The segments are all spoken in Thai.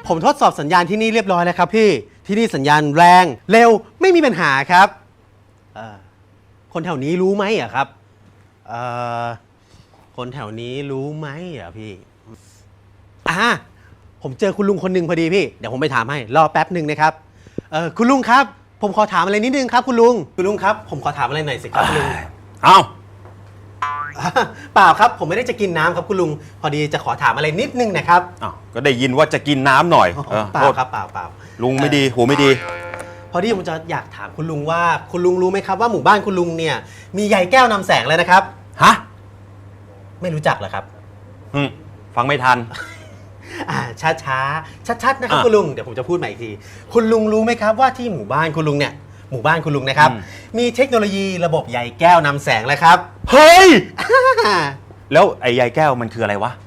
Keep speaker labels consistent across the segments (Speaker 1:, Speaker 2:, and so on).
Speaker 1: ผมทดสอบสัญญาณที่นี่เรียบร้อยแล้วครับพี่ที่นี่สัญญาณแรงเร็วไม่มีปัญหาครับคนแถวนี้รู้ไหมอะครับคนแถวนี้รู้ไหมอะพี่ผมเจอคุณลุงคนหนึ่งพอดีพี่เดี๋ยวผมไปถามให้รอแป๊บหนึ่งนะครับคุณลุงครับผมขอถามอะไรนิดนึงครับคุณลุงครับผมขอถามอะไรหน่อยสิครับคุณลุงเปล่าครับผมไม่ได้จะกินน้ำครับคุณลุงพอดีจะขอถามอะไรนิดนึงนะครับ
Speaker 2: ก็ได้ยินว่าจะกินน้ำหน่อย
Speaker 1: เปล่าครับเปล่า
Speaker 2: ลุงไม่ดีหูไม่ดี
Speaker 1: พอดีผมจะอยากถามคุณลุงว่าคุณลุงรู้ไหมครับว่าหมู่บ้านคุณลุงเนี่ยมีใยแก้วนำแสงเลยนะครับ
Speaker 2: ฮะ
Speaker 1: ไม่รู้จักเหรอครับ
Speaker 2: ฟังไม่ทัน
Speaker 1: ชัดนะครับคุณลุงเดี๋ยวผมจะพูดใหม่อีกทีคุณลุงรู้ไหมครับว่าที่หมู่บ้านคุณลุงนะครับมีเทคโนโลยีระบบใยแก้วนำแสงเลยครับ
Speaker 2: เฮ้ยแล้วไอ้ใยแก้วมันคืออะไรวะ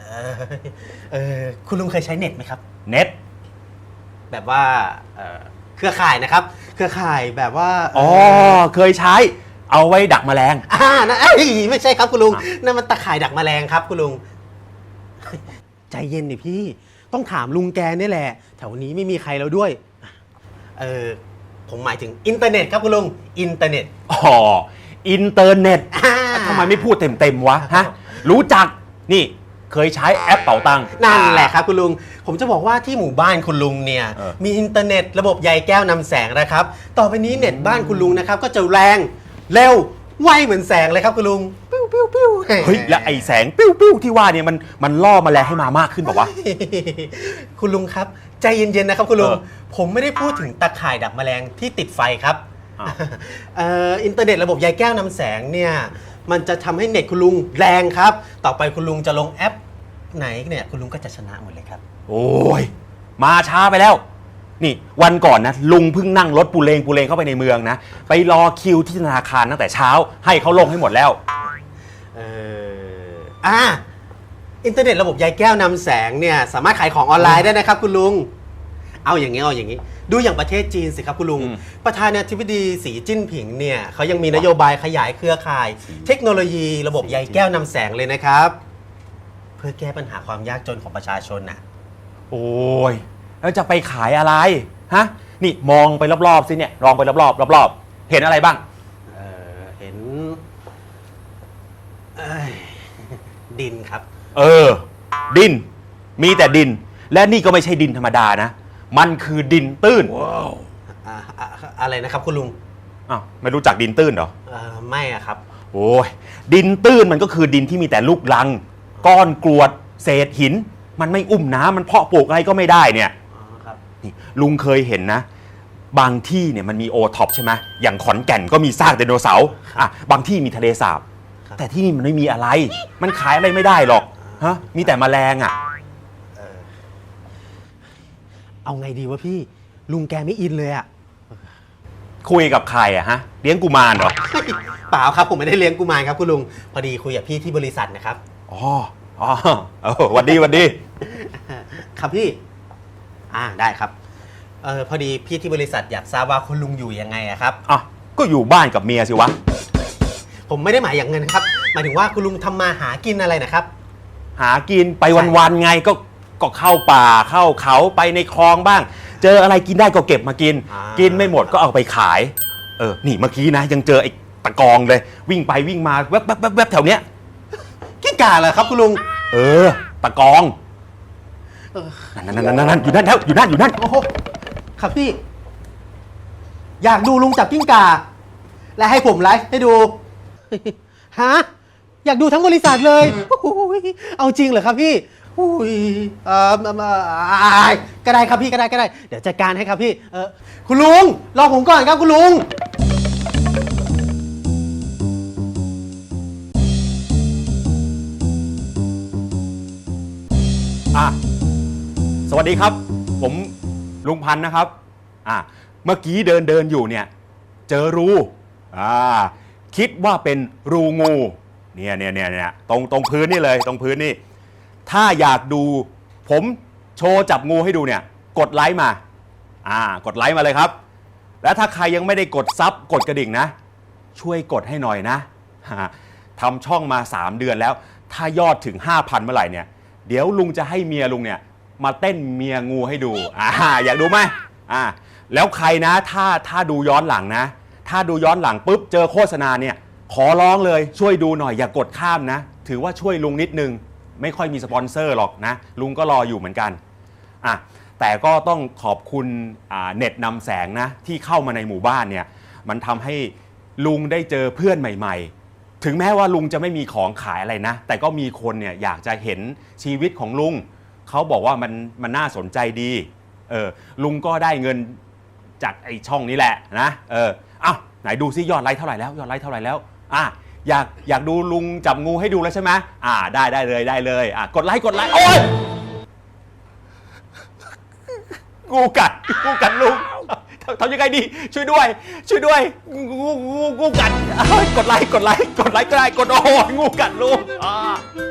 Speaker 1: คุณลุงเคยใช้เน็ตไหมครับ
Speaker 2: เน็ต
Speaker 1: แบบว่าเครือข่ายนะครับเครือข่ายแบบว่า
Speaker 2: เคยใช้เอาไว้ดักแมลง
Speaker 1: นะไม่ใช่ครับคุณลุงนั่นมันตะข่ายดักแมลงครับคุณลุงใจเย็นดิพี่ต้องถามลุงแกนี่แหละแถวนี้ไม่มีใครแล้วด้วยผมหมายถึงอินเทอร์เน็ตครับคุณลุงอินเทอร์เน็ต
Speaker 2: อินเทอร์เน็ตทำไมไม่พูดเต็มวะฮะรู้จักนี่เคยใช้แอปเป๋าตังค์
Speaker 1: นั่นแหละครับคุณลุงผมจะบอกว่าที่หมู่บ้านคุณลุงเนี่ยมีอินเทอร์เน็ตระบบใยแก้วนำแสงนะครับต่อไปนี้เน็ตบ้านคุณลุงนะครับก็จะแรงเร็วไวเหมือนแสงเลยครับคุณลุงปิ้ว
Speaker 2: เฮ้ยแล้วไอ้แสงปิ้วที่ว่าเนี่ยมันล่อแมลงให้มามากขึ้นบอกว่า
Speaker 1: คุณลุงครับใจเย็นๆนะครับคุณลุงผมไม่ได้พูดถึงตะข่ายดักแมลงที่ติดไฟครับอินเทอร์เน็ตระบบใยแก้วนำแสงเนี่ยมันจะทำให้เน็ตคุณลุงแรงครับต่อไปคุณลุงจะลงแอปไหนเนี่ยคุณลุงก็จะชนะหมดเลยครับ
Speaker 2: โอ้ยมาช้าไปแล้วนี่วันก่อนนะลุงเพิ่งนั่งรถปูเลงเข้าไปในเมืองนะไปรอคิวที่ธนาคารตั้งแต่เช้าให้เขาลงให้หมดแล้ว
Speaker 1: อินเทอร์เน็ตระบบใยแก้วนำแสงเนี่ยสามารถขายของออนไลน์ได้นะครับคุณลุงเอาอย่างนี้ดูอย่างประเทศจีนสิครับคุณลุงประธานาธิบดีสีจิ้นผิงเนี่ยเขายังมีนโยบายขยายเครือข่ายเทคโนโลยีระบบใยแก้วนำแสงเลยนะครับเพื่อแก้ปัญหาความยากจนของประชาชนน่ะ
Speaker 2: โอ้ยแล้วจะไปขายอะไรฮะนี่มองไปรอบๆสิเนี่ยลองไปรอบเห็นอะไรบ้าง
Speaker 1: เห็นดินครับ
Speaker 2: ดินมีแต่ดินและนี่ก็ไม่ใช่ดินธรรมดานะมันคือดินตื้น
Speaker 1: อะไรนะครับคุณลุง
Speaker 2: ไม่รู้จักดินตื้นเหรอ
Speaker 1: ไม่ครับ
Speaker 2: โอ้ยดินตื้นมันก็คือดินที่มีแต่ลูกรังก้อนกรวดเศษหินมันไม่อุ้มน้ำมันเพาะปลูกอะไรก็ไม่ได้เนี่ยนี่ลุงเคยเห็นนะบางที่เนี่ยมันมีโอท็อปใช่ไหมอย่างขอนแก่นก็มีซากไดโนเสาร์บางที่มีทะเลสาบแต่ที่นี่มันไม่มีอะไรมันขายอะไรไม่ได้หรอกฮะมีแต่แมลง
Speaker 1: เอาไงดีวะพี่ลุงแกไม่อินเลย
Speaker 2: คุยกับใครฮะเลี้ยงกุมารเหรอ
Speaker 1: เปล่าครับผมไม่ได้เลี้ยงกุมารครับคุณลุงพอดีคุยกับพี่ที่บริษัทนะครับ
Speaker 2: วันดี
Speaker 1: ครับพี่ได้ครับพอดีพี่ที่บริษัทอยากทราบว่าคุณลุงอยู่ยังไงครับ
Speaker 2: ก็อยู่บ้านกับเมียสิวะ
Speaker 1: ผมไม่ได้หมายอย่างเงินครับหมายถึงว่าคุณลุงทำมาหากินอะไรนะครับ
Speaker 2: หากินไปวันๆไงก็เข้าป่าเข้าเขาไปในคลองบ้างเจออะไรกินได้ก็เก็บมากินกินไม่หมดก็เอาไปขายนี่เมื่อกี้นะยังเจอไอ้ตะกองเลยวิ่งไปวิ่งมาแวบแถวเนี้ย
Speaker 1: กิ้งก่าเหรอครับคุณลุง
Speaker 2: ตะกองนั่นอยู่นั่นแล้วอยู่นั่น
Speaker 1: โอ้โหครับพี่อยากดูลุงจับกิ้งก่าและให้ผมไลฟ์ให้ดูฮะอยากดูทั้งบริษัทเลยเอาจริงเหรอครับพี่ก็ได้ครับพี่ก็ได้เดี๋ยวจัดการให้ครับพี่คุณลุงรอผมก่อนครับคุณลุง
Speaker 2: สวัสดีครับผมลุงพันธ์นะครับเมื่อกี้เดินอยู่เนี่ยเจอรูคิดว่าเป็นรูงูเนี่ยตรงพื้นนี่เลยตรงพื้นนี่ถ้าอยากดูผมโชว์จับงูให้ดูเนี่ยกดไลค์มากดไลค์มาเลยครับและถ้าใครยังไม่ได้กดซับกดกระดิ่งนะช่วยกดให้หน่อยนะทำช่องมา3 เดือนแล้วถ้ายอดถึง 5,000 เมื่อไหร่เนี่ยเดี๋ยวลุงจะให้เมียลุงเนี่ยมาเต้นเมียงูให้ดูอยากดูไหมแล้วใครนะถ้าดูย้อนหลังนะถ้าดูย้อนหลังปุ๊บเจอโฆษณาเนี่ยขอร้องเลยช่วยดูหน่อยอย่ากดข้ามนะถือว่าช่วยลุงนิดนึงไม่ค่อยมีสปอนเซอร์หรอกนะลุงก็รออยู่เหมือนกันแต่ก็ต้องขอบคุณเน็ตนำแสงนะที่เข้ามาในหมู่บ้านเนี่ยมันทำให้ลุงได้เจอเพื่อนใหม่ๆถึงแม้ว่าลุงจะไม่มีของขายอะไรนะแต่ก็มีคนเนี่ยอยากจะเห็นชีวิตของลุงเขาบอกว่ามันน่าสนใจดีลุงก็ได้เงินจากไอ้ช่องนี้แหละนะไหนดูซิยอดไลค์เท่าไหร่แล้วยอดไลค์เท่าไหร่แล้วอยากดูลุงจับงูให้ดูแล้วใช่ไหมได้เลยกดไลค์โอ๊ยงูกัดลุงทำยังไงดีช่วยด้วยงูกัดกดไลค์ก็ได้กดโอ้ยงูกัดลุง